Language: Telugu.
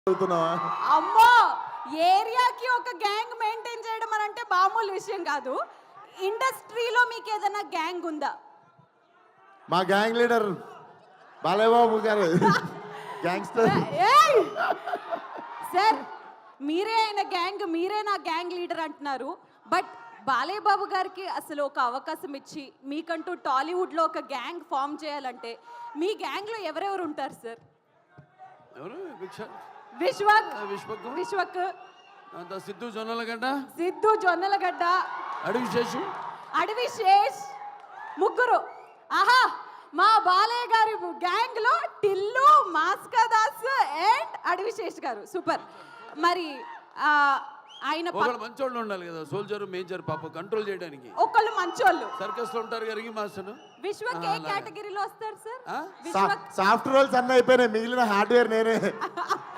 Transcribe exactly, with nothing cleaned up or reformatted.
అవుతున్నావా? అమ్మో, ఏరియాకి ఒక గ్యాంగ్ మెయింటైన్ చేయడం అని అంటే మామూలు విషయం కాదు. ఇండస్ట్రీలో మీకు ఏదైనా గ్యాంగ్ ఉందా? మా గ్యాంగ్ లీడర్ బాలయ్య బాబు గారు గ్యాంగ్స్టర్. ఏయ్! సార్, మీరే ఆయన గ్యాంగ్, మీరే నా గ్యాంగ్ లీడర్ అంటున్నారు. బట్ బాలయ్య బాబు గారికి అసలు ఒక అవకాశం ఇచ్చి మీకంటూ టాలీవుడ్లో ఒక గ్యాంగ్ ఫామ్ చేయాలంటే మీ గ్యాంగ్లో ఎవరెవరు ఉంటారు సార్? ఎవరు? విశ్వక్ విశ్వక్ విశ్వక్ అంత సిద్ధు జొన్నలగడ్డ, సిద్ధు జొన్నలగడ్డ, అడవి శేషు, అడవి శేష్, ముగ్గురు. ఆహా, మా బాలయ్య గారి గ్యాంగ్ లో టిల్లు, మాస్కా దాస్ అండ్ అడవి శేష్ గారు సూపర్. మరి ఆ, ఆయన ఒకళ్ళు మంచోళ్ళు ఉండాలి కదా, సోల్జర్ మేజర్ పాప కంట్రోల్ చేయడానికి. ఒకళ్ళు మంచోళ్ళు సర్కస్ లో ఉంటారు గరిగి మాస్టర్. విశ్వక్ ఏ కేటగిరీలో వస్తారు సార్? సాఫ్ట్ రోల్స్ అన్నీ అయిపోయినాయి, మిగిలిన హార్డ్వేర్ నేనే.